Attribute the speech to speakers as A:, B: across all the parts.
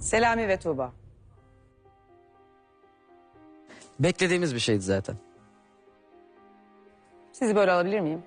A: Selami ve Tuğba.
B: Beklediğimiz bir şeydi zaten.
A: Sizi böyle alabilir miyim?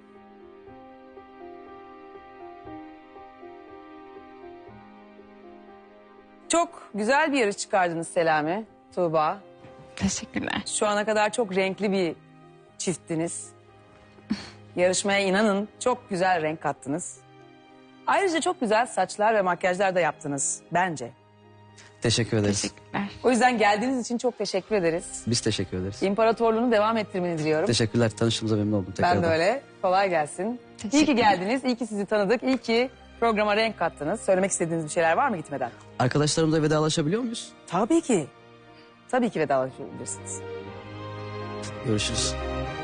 A: Çok güzel bir yarış çıkardınız Selami, Tuğba.
C: Teşekkürler.
A: Şu ana kadar çok renkli bir çifttiniz. Yarışmaya inanın çok güzel renk kattınız. Ayrıca çok güzel saçlar ve makyajlar da yaptınız bence.
B: Teşekkür ederiz.
C: Teşekkürler.
A: O yüzden geldiğiniz için çok teşekkür ederiz.
B: Biz teşekkür ederiz.
A: İmparatorluğunu devam ettirmeni diliyorum.
B: Teşekkürler. Tanıştığımıza memnun oldum tekrardan.
A: Ben de öyle. Kolay gelsin. İyi ki
C: Teşekkürler.
A: geldiniz. İyi ki sizi tanıdık. İyi ki programa renk kattınız. Söylemek istediğiniz bir şeyler var mı gitmeden?
B: Arkadaşlarımızla vedalaşabiliyor muyuz?
A: Tabii ki. Tabii ki vedalaşabilirsiniz.
B: Görüşürüz.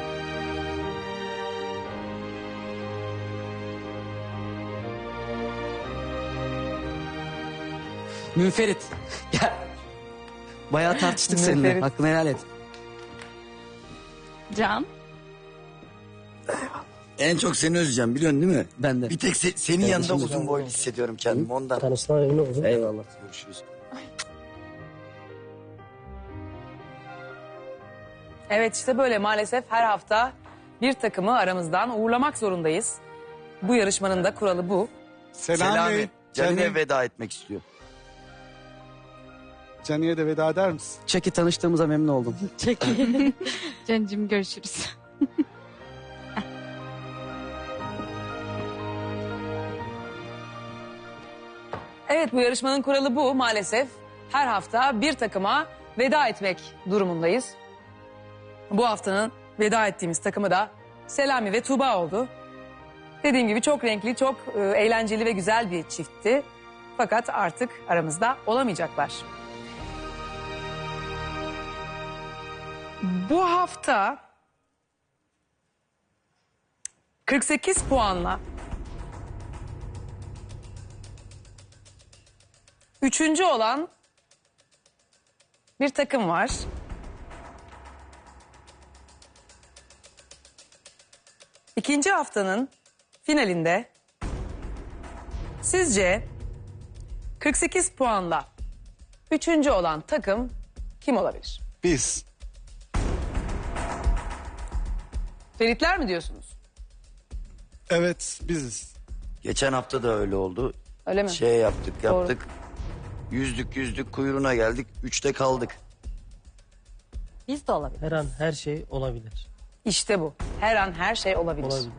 B: Münferit. Gel. Bayağı tartıştık seninle.
A: Münferit.
B: Hakkını helal et.
C: Can.
D: En çok seni özleyeceğim biliyorsun değil mi?
B: Ben de.
D: Bir tek senin yanında uzun boylu hissediyorum kendimi ondan.
E: Tanıştığına memnun oldum.
D: Eyvallah. Görüşürüz.
A: Evet işte böyle maalesef her hafta bir takımı aramızdan uğurlamak zorundayız. Bu yarışmanın da kuralı bu.
D: Selami. Canine
E: Canım.
D: veda etmek istiyor.
E: Cani'ye de veda eder misin?
B: Çeki tanıştığımıza memnun oldum.
C: Cancığım görüşürüz.
A: Evet bu yarışmanın kuralı bu maalesef. Her hafta bir takıma veda etmek durumundayız. Bu haftanın veda ettiğimiz takımı da Selami ve Tuğba oldu. Dediğim gibi çok renkli, çok eğlenceli ve güzel bir çiftti. Fakat artık aramızda olamayacaklar. Bu hafta 48 puanla üçüncü olan bir takım var. İkinci haftanın finalinde sizce 48 puanla üçüncü olan takım kim olabilir?
E: Biz.
A: Feritler mi diyorsunuz?
E: Evet biziz.
D: Geçen hafta da öyle oldu.
A: Öyle mi?
D: Şey yaptık
A: Doğru.
D: yaptık. Yüzdük kuyruğuna geldik. 3'te kaldık.
A: Biz de olabilir.
F: Her an her şey olabilir.
A: İşte bu. Her an her şey olabilir.
F: Olabilir.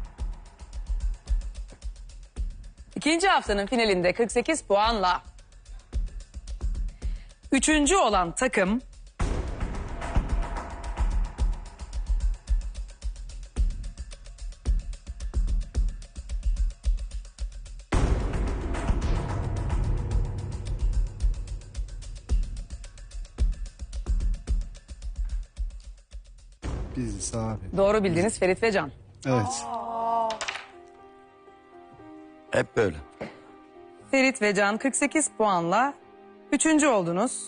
A: İkinci haftanın finalinde 48 puanla üçüncü olan takım
E: Biziz abi.
A: doğru bildiğiniz Ferit ve Can.
E: Evet.
D: Hep böyle.
A: Ferit ve Can 48 puanla üçüncü oldunuz.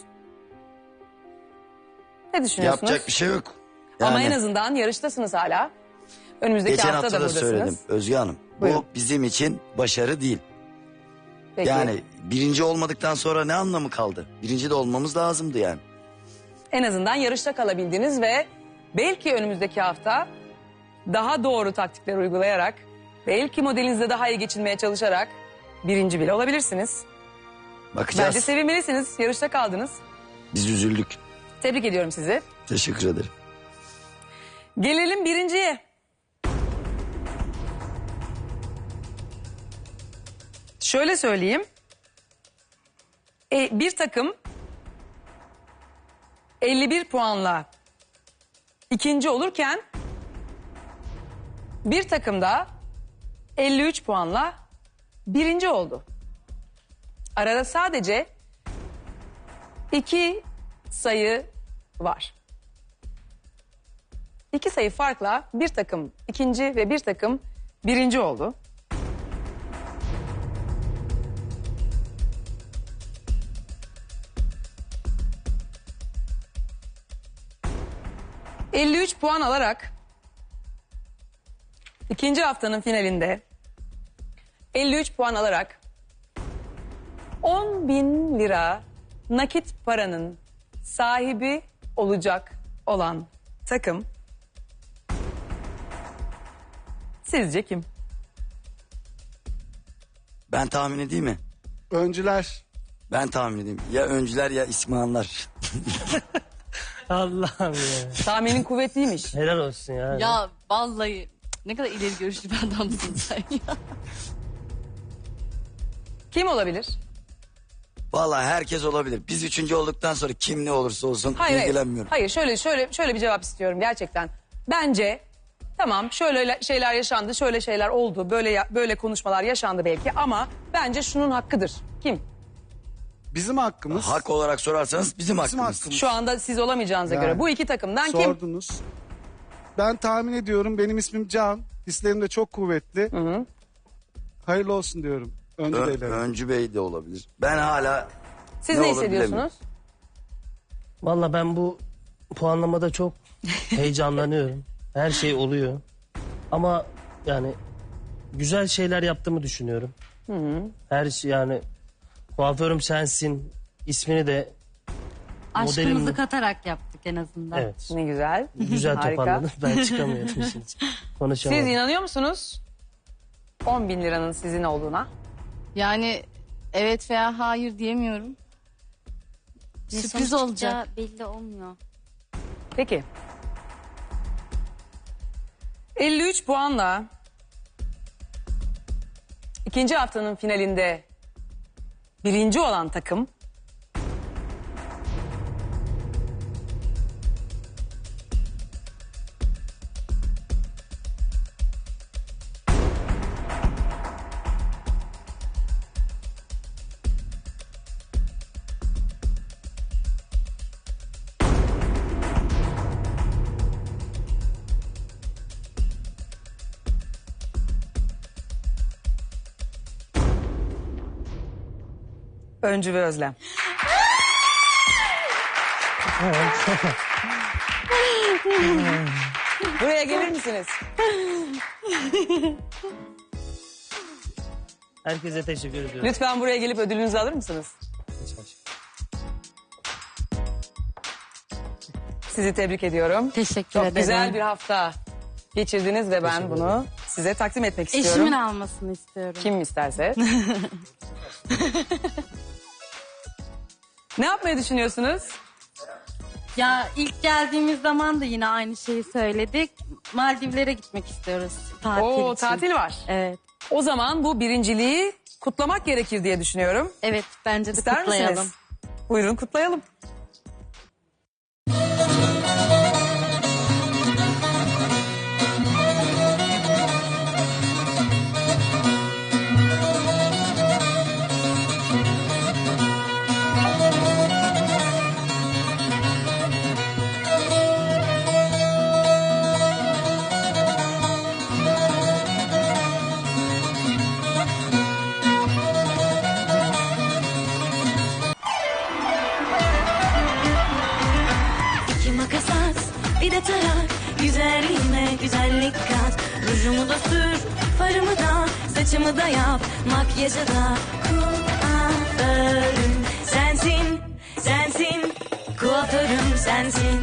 A: Ne düşünüyorsunuz?
D: Yapacak bir şey yok.
A: Ama
D: Yani
A: en azından yarıştasınız hala. Önümüzdeki
D: geçen
A: hafta,
D: hafta
A: da
D: da
A: buradasınız.
D: söyledim Özge Hanım.
A: Buyurun.
D: Bu bizim için başarı değil.
A: Peki.
D: Yani birinci olmadıktan sonra ne anlamı kaldı? Birinci de olmamız lazımdı yani.
A: En azından yarışta kalabildiniz ve belki önümüzdeki hafta daha doğru taktikler uygulayarak, belki modelinizde daha iyi geçinmeye çalışarak birinci bile olabilirsiniz.
D: Bakacağız.
A: Bence sevinmelisiniz. Yarışta kaldınız.
D: Biz üzüldük.
A: Tebrik ediyorum sizi.
D: Teşekkür ederim.
A: Gelelim birinciye. Şöyle söyleyeyim. Bir takım 51 puanla ikinci olurken bir takım da 53 puanla birinci oldu. Arada sadece 2 sayı var. 2 sayı farkla bir takım ikinci ve bir takım birinci oldu. ...53 puan alarak... ...ikinci haftanın finalinde... ...53 puan alarak... 10.000 lira nakit paranın sahibi olacak olan takım sizce kim?
D: Ben tahmin edeyim mi?
E: Öncüler.
D: Ben tahmin edeyim. Ya öncüler ya İsmail'ler.
F: Allah'ım ya.
A: Tahminin kuvvetliymiş.
F: Helal olsun ya.
C: Ya vallahi ne kadar ileri görüşlü bir adamsın sen ya.
A: Kim olabilir?
D: Vallahi herkes olabilir. Biz üçüncü olduktan sonra kim ne olursa olsun
A: Hayır,
D: ilgilenmiyorum.
A: hayır. Şöyle bir cevap istiyorum gerçekten. Bence tamam şöyle şeyler yaşandı, şöyle şeyler oldu, böyle konuşmalar yaşandı belki ama bence şunun hakkıdır. Kim?
E: Bizim hakkımız.
D: Hak olarak sorarsanız bizim hakkımız.
E: hakkımız.
A: Şu anda siz olamayacağınıza
E: Yani.
A: göre bu iki takımdan kim?
E: Sordunuz. Ben tahmin ediyorum. Benim ismim Can. Hislerim de çok kuvvetli. Hayırlı olsun diyorum. Öncü beyler.
D: Öncü Bey de olabilir. Ben hala
A: Siz
D: ne
A: ne
D: olur
A: hissediyorsunuz?
D: bilemiyorum.
F: Valla ben bu puanlamada çok heyecanlanıyorum. Her şey oluyor. Ama yani güzel şeyler yaptığımı düşünüyorum. Her şey yani kuaförüm sensin ismini de
G: Aşkımızı
F: modelim-
G: katarak yaptık en azından.
F: evet
A: Ne güzel.
F: güzel
A: Harika.
F: toparladım. Ben çıkamıyorum işin içine.
A: Siz
F: Konuşamadım.
A: inanıyor musunuz 10.000 liranın sizin olduğuna?
C: Yani evet veya hayır diyemiyorum.
G: Ne
C: Sürpriz
G: sonuç
C: olacak.
G: çıkacağı belli olmuyor.
A: Peki. 53 puanla ikinci haftanın finalinde birinci olan takım Öncü ve Özlem. Buraya gelir misiniz?
F: Herkese teşekkür ediyorum.
A: Lütfen buraya gelip ödülünüzü alır mısınız? Sizi tebrik ediyorum.
G: Teşekkür
A: Çok
G: ederim.
A: güzel bir hafta geçirdiniz ve ben bunu size takdim etmek istiyorum.
G: Eşimin almasını istiyorum.
A: Kim isterse. Ne yapmayı düşünüyorsunuz?
G: Ya ilk geldiğimiz zaman da yine aynı şeyi söyledik. Maldivlere gitmek istiyoruz tatil
A: Oo,
G: için.
A: tatil var.
G: Evet.
A: O zaman bu birinciliği kutlamak gerekir diye düşünüyorum.
G: Evet bence de
A: İster
G: kutlayalım.
A: misiniz? Buyurun kutlayalım.
H: İki makas at, bir de tarak. Güzelliğime güzellik kat. Rujumu da sür, farımı da, saçımı da yap. Makyajı da kuaförüm sensin, sensin. Kuaförüm sensin.